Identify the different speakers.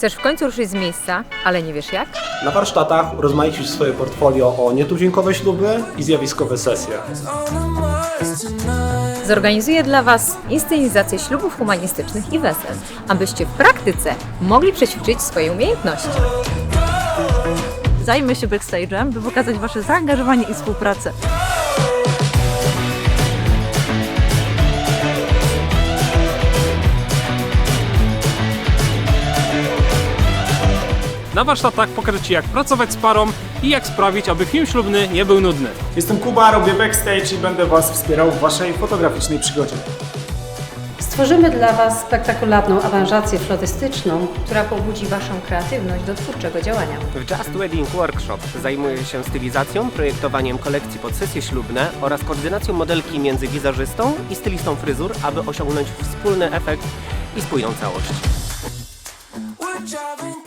Speaker 1: Chcesz w końcu ruszyć z miejsca, ale nie wiesz jak?
Speaker 2: Na warsztatach rozmaicisz swoje portfolio o nietuzinkowe śluby i zjawiskowe sesje.
Speaker 1: Zorganizuję dla Was inscenizację ślubów humanistycznych i wesel, abyście w praktyce mogli przećwiczyć swoje umiejętności.
Speaker 3: Zajmę się backstage'em, by pokazać Wasze zaangażowanie i współpracę.
Speaker 4: Na warsztatach pokażę Ci, jak pracować z parą i jak sprawić, aby film ślubny nie był nudny.
Speaker 5: Jestem Kuba, robię backstage i będę Was wspierał w Waszej fotograficznej przygodzie.
Speaker 6: Stworzymy dla Was spektakularną aranżację florystyczną,
Speaker 1: Która pobudzi Waszą kreatywność do twórczego działania.
Speaker 7: W Just Wedding Workshop zajmuję się stylizacją, projektowaniem kolekcji pod sesje ślubne oraz koordynacją modelki między wizerzystą i stylistą fryzur, aby osiągnąć wspólny efekt i spójną całość.